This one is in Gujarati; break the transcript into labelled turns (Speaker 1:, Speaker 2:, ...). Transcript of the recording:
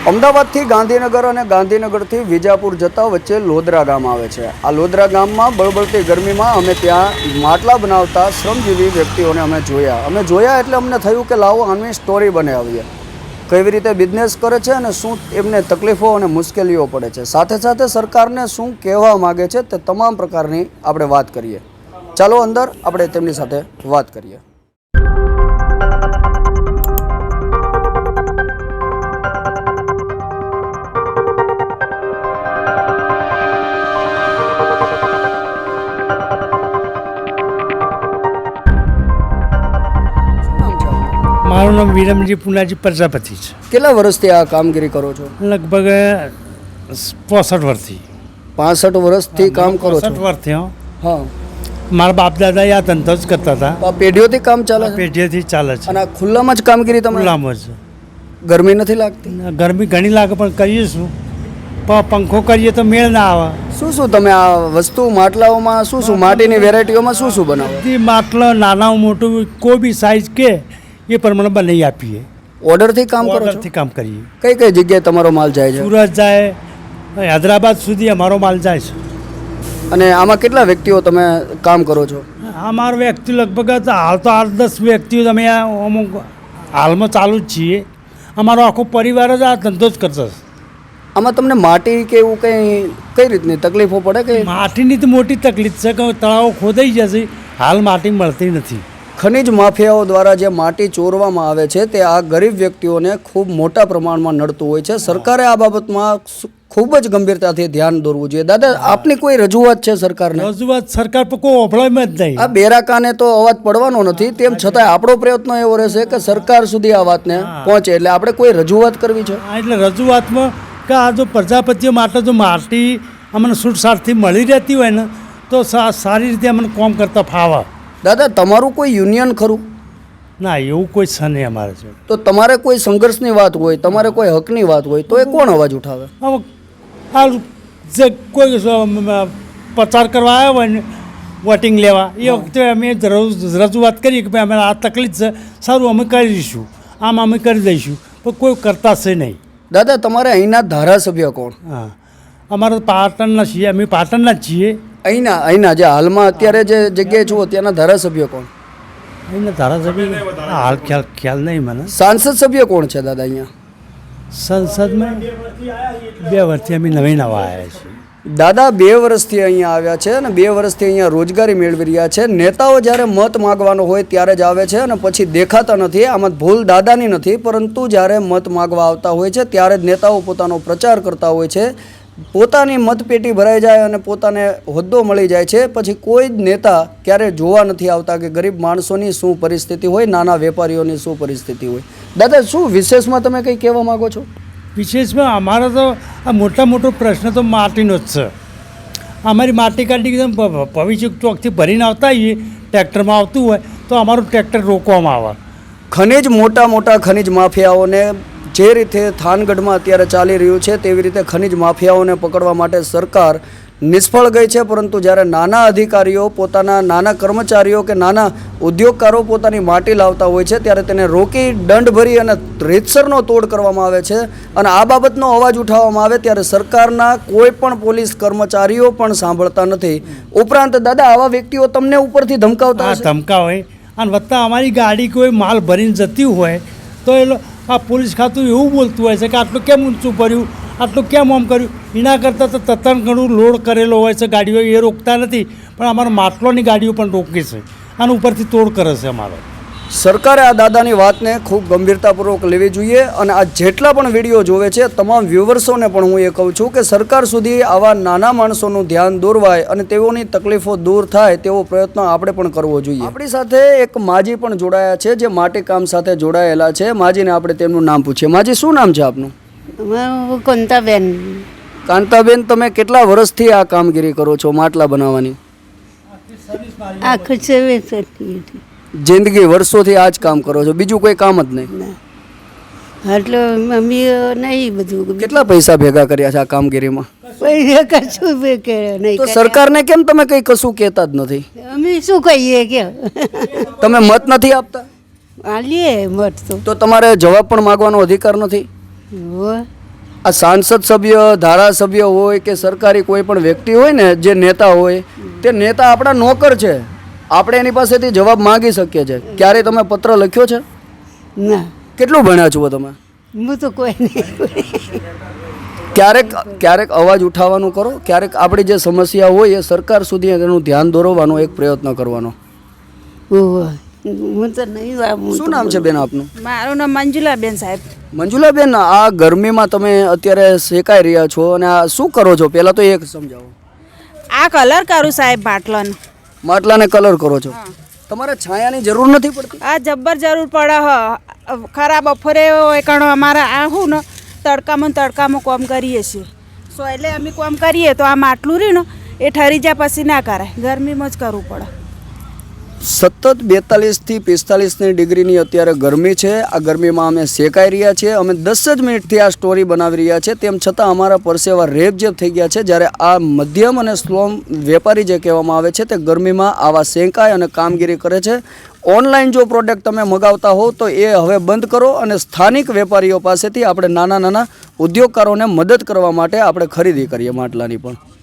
Speaker 1: અમદાવાદથી ગાંધીનગર અને ગાંધીનગરથી વિજાપુર જતા વચ્ચે લોદરા ગામ આવે છે। આ લોદરા ગામમાં બળબળતી ગરમીમાં અમે ત્યાં માટલા બનાવતા શ્રમજીવી વ્યક્તિઓને અમે જોયા એટલે અમને થયું કે લાવો આની સ્ટોરી બનાવીએ। કેવી રીતે બિઝનેસ કરે છે અને શું એમને તકલીફો અને મુશ્કેલીઓ પડે છે, સાથે સાથે સરકારને શું કહેવા માગે છે તે તમામ પ્રકારની આપણે વાત કરીએ। ચાલો અંદર આપણે તેમની સાથે વાત કરીએ।
Speaker 2: મારું નામ વિરમજી પુનાજી પ્રજાપતિ છે।
Speaker 1: કેટલા વર્ષથી આ કામગીરી કરો છો?
Speaker 2: લગભગ 65 વર્ષથી।
Speaker 1: 65 વર્ષથી કામ કરો છો?
Speaker 2: 65 વર્ષથી।
Speaker 1: હા,
Speaker 2: મારા બાપ દાદા આ ધંધો જ કરતા હતા।
Speaker 1: આ પેઢીઓથી કામ ચાલે છે?
Speaker 2: પેઢીઓથી ચાલે છે।
Speaker 1: અને આ ખુલ્લામાં જ કામગીરી તમે?
Speaker 2: ખુલ્લામાં જ।
Speaker 1: ગરમી નથી લાગતી?
Speaker 2: ગરમી ઘણી લાગે પણ કરીએ શું, પંખો કરીએ તો મેળ ના આવે।
Speaker 1: શું તમે આ વસ્તુ માટલાઓમાં શું માટીની વેરાયટીઓમાં શું બનાવો?
Speaker 2: બધી માટલા નાના મોટું કોઈ બી સાઈઝ કે એ પ્રમાણે બનાવી આપીએ।
Speaker 1: ઓર્ડરથી કામ કરો છો?
Speaker 2: ઓર્ડરથી કામ કરીએ।
Speaker 1: કઈ કઈ જગ્યાએ તમારો માલ જાય છે?
Speaker 2: સુરત જાય, હૈદરાબાદ સુધી અમારો માલ જાય છે।
Speaker 1: અને આમાં કેટલા વ્યક્તિઓ તમે કામ કરો છો?
Speaker 2: અમારો વ્યક્તિ લગભગ હાલ તો 8-10 વ્યક્તિઓ અમે અમુક હાલમાં ચાલુ જ છીએ। અમારો આખો પરિવાર જ આ ધંધો જ કરતો છે।
Speaker 1: આમાં તમને માટી કે એવું કઈ રીતની તકલીફો પડે? કે
Speaker 2: માટીની તો મોટી તકલીફ છે કે તળાવો ખોદાઈ જશે, હાલ માટી મળતી નથી।
Speaker 1: ખનિજ માફિયાઓ દ્વારા જે માટી ચોરવામાં આવે છે તે આ ગરીબ વ્યક્તિઓને ખૂબ મોટા પ્રમાણમાં નડતું હોય છે। સરકારે આ બાબતમાં ખૂબ જ ગંભીરતાથી ધ્યાન દોરવું જોઈએ। દાદા, આપની કોઈ રજૂઆત છે સરકારને?
Speaker 2: રજૂઆત સરકાર પર કોઈ ઓફળામાં જ નહીં।
Speaker 1: આ બેરાકાને તો અવાજ પડવાનો નથી, તેમ છતાં આપણો પ્રયત્ન એવો રહેશે કે સરકાર સુધી આ વાતને પહોંચે, એટલે આપણે કોઈ રજૂઆત કરવી છે।
Speaker 2: એટલે રજૂઆતમાં કે આ જો પ્રજાપતિઓ માટે જો માટી અમને છૂટછાટથી મળી રહેતી હોય ને તો સારી રીતે અમને કામ કરતા ફાવે।
Speaker 1: દાદા, તમારું કોઈ યુનિયન ખરું?
Speaker 2: ના, એવું કોઈ છે નહીં અમારે છે।
Speaker 1: તો તમારે કોઈ સંઘર્ષની વાત હોય, તમારે કોઈ હકની વાત હોય તો એ કોણ અવાજ ઉઠાવે?
Speaker 2: હવે હાલ જે કોઈ પ્રચાર કરવા આવ્યા હોય ને વોટિંગ લેવા, એ વખતે અમે રજૂઆત કરીએ કે ભાઈ અમે આ તકલીફ છે, સારું અમે કરી દઈશું, આમ અમે કરી દઈશું, પણ કોઈ કરતા છે નહીં।
Speaker 1: દાદા, તમારે અહીંના ધારાસભ્ય કોણ?
Speaker 2: હા, અમારે પાટણના છીએ, અમે પાટણના જ છીએ।
Speaker 1: અહીંના જે હાલમાં અત્યારે જે જગ્યાએ છો ત્યાંના ધારાસભ્ય કોણ?
Speaker 2: અહીંના ધારાસભ્ય હાલ ખ્યાલ નહીં મને।
Speaker 1: સાંસદ સભ્ય કોણ છે દાદા અહીંયા?
Speaker 2: સંસદમાં 2 વર્ષથી અમે નવા આવ્યા છીએ।
Speaker 1: દાદા 2 વર્ષથી અહીંયા આવ્યા છે અને 2 વર્ષથી અહીંયા રોજગારી મેળવી રહ્યા છે। નેતાઓ જ્યારે મત માગવાનો હોય ત્યારે જ આવે છે અને પછી દેખાતા નથી। આમાં ભૂલ દાદાની નથી, પરંતુ જ્યારે મત માગવા આવતા હોય છે ત્યારે જ નેતાઓ પોતાનો પ્રચાર કરતા હોય છે। પોતાની મતપેટી ભરાઈ જાય અને પોતાને હોદ્દો મળી જાય છે, પછી કોઈ જ નેતા ક્યારે જોવા નથી આવતા કે ગરીબ માણસોની શું પરિસ્થિતિ હોય, નાના વેપારીઓની શું પરિસ્થિતિ હોય। દાદા, શું વિશેષમાં તમે કંઈ કહેવા માગો છો?
Speaker 2: વિશેષમાં અમારો તો આ મોટો પ્રશ્ન તો માટીનો જ છે। અમારી માટી કાઢી ભવિષ્ય ચોકથી ભરીને આવતા હોઈએ, ટ્રેક્ટરમાં આવતું હોય તો અમારું ટ્રેક્ટર રોકવામાં આવે।
Speaker 1: ખનિજ મોટા ખનિજ માફિયાઓને જે રીતે થાનગઢમાં અત્યારે ચાલી રહ્યું છે તેવી રીતે ખનિજ માફિયાઓને પકડવા માટે સરકાર નિષ્ફળ ગઈ છે, પરંતુ જ્યારે નાના અધિકારીઓ, પોતાના નાના કર્મચારીઓ કે નાના ઉદ્યોગકારો પોતાની માટી લાવતા હોય છે ત્યારે તેને રોકી દંડ ભરી અને રીતસરનો તોડ કરવામાં આવે છે અને આ બાબતનો અવાજ ઉઠાવવામાં આવે ત્યારે સરકારના કોઈ પણ પોલીસ કર્મચારીઓ પણ સાંભળતા નથી। ઉપરાંત દાદા, આવા વ્યક્તિઓ તમને ઉપરથી ધમકાવતા હશે?
Speaker 2: ધમકાવે અને વત્તા અમારી ગાડી કોઈ માલ ભરીને જતી હોય તો એ આ પોલીસ ખાતું એવું બોલતું હોય છે કે આટલું કેમ ઊંચું ભર્યું, આટલું કેમ આમ કર્યું। એના કરતાં તો તત્ણ ઘણું લોડ કરેલો હોય છે ગાડીઓ, એ રોકતા નથી, પણ અમારા માટલોની ગાડીઓ પણ રોકે છે અને ઉપરથી તોડ કરે છે અમારો।
Speaker 1: સરકારે આ દાદાની વાતને ખૂબ ગંભીરતાપૂર્વક લેવી જોઈએ અને આ જેટલા પણ વિડીયો જોવે છે તમામ વ્યુઅર્સોને પણ હું એ કહું છું કે સરકાર સુધી આવા નાના માણસોનું ધ્યાન દોરવાય અને તેઓની તકલીફો દૂર થાય તેવો પ્રયત્ન આપણે પણ કરવો જોઈએ। આપણી સાથે એક માજી પણ જોડાયા છે જે માટીકામ સાથે જોડાયેલા છે। માજીને આપણે તેમનું નામ પૂછીએ। માજી, શું નામ છે આપનું?
Speaker 3: કાંતાબેન।
Speaker 1: કાંતાબેન, તમે કેટલા વર્ષથી આ કામગીરી કરો છો માટલા બનાવવાની?
Speaker 3: આખું છે
Speaker 1: જિંદગી વર્ષોથી આ જ કામ કરો છો, બીજું કોઈ કામ જ નહીં?
Speaker 3: એટલે મમ્મી નહીં બધું।
Speaker 1: કેટલા પૈસા ભેગા કર્યા છે આ કામગીરીમાં?
Speaker 3: પૈસા કશું નહીં।
Speaker 1: તો સરકારને કેમ તમે કંઈ કશું કહેતા જ નથી?
Speaker 3: અમે શું કહીએ કે
Speaker 1: તમે મત નથી આપતા?
Speaker 3: આલીએ મત
Speaker 1: તો તમારે જવાબ પણ માગવાનો અધિકાર નથી? આ સાંસદ સભ્ય ધારાસભ્ય હોય કે સરકારી કોઈ પણ વ્યક્તિ હોય ને જે નેતા હોય તે નેતા આપણા નોકર છે, આપણે એની પાસેથી જવાબ માંગી શકીએ છીએ. ક્યારે તમે પત્ર લખ્યો છે?
Speaker 3: ના,
Speaker 1: કેટલું ભણ્યા છો તમે?
Speaker 3: હું તો કોઈ નહીં.
Speaker 1: ક્યારેક ક્યારેક અવાજ ઉઠાવવાનું કરો, ક્યારેક આપણી જે સમસ્યા હોય એ સરકાર સુધી એનું ધ્યાન દોરવાનો એક પ્રયત્ન કરવાનો.
Speaker 3: ઓહો, હું તો નહીં વાવું.
Speaker 1: શું નામ છે બેન આપનું?
Speaker 4: મારું નામ મંજુલાબેન સાહેબ.
Speaker 1: મંજુલાબેન, આ ગરમીમાં તમે અત્યારે શેકાઈ રહ્યા છો અને આ શું કરો છો? પહેલાં તો એક સમજાવો.
Speaker 4: આ કલર કરું સાહેબ માટલાનો.
Speaker 1: માટલાને કલર કરો છો. તમારે છાયાની જરૂર નથી પડતી?
Speaker 4: આ જબ્બર જરૂર પડે ખરા બપોરે એકણ અમારા આ હું ને તડકામાં કામ કરીએ છીએ. સો એટલે અમે કામ કરીએ તો આ માટલું રહ્યું ને એ ઠરી જાય પછી ના કરાય, ગરમીમાં જ કરવું પડે.
Speaker 1: સતત 42થી 45 ડિગ્રીની અત્યારે ગરમી છે. આ ગરમીમાં અમે શેકાઈ રહ્યા છીએ. અમે 10 જ મિનિટથી આ સ્ટોરી બનાવી રહ્યા છે, તેમ છતાં અમારા પરસેવા રેબઝેબ થઈ ગયા છે. જ્યારે આ મધ્યમ અને સ્લો વેપારી જે કહેવામાં આવે છે તે ગરમીમાં આવા શેકાય અને કામગીરી કરે છે. ઓનલાઈન જો પ્રોડક્ટ તમે મગાવતા હો તો એ હવે બંધ કરો અને સ્થાનિક વેપારીઓ પાસેથી આપણે નાના ઉદ્યોગકારોને મદદ કરવા માટે આપણે ખરીદી કરીએ માટલાની પણ.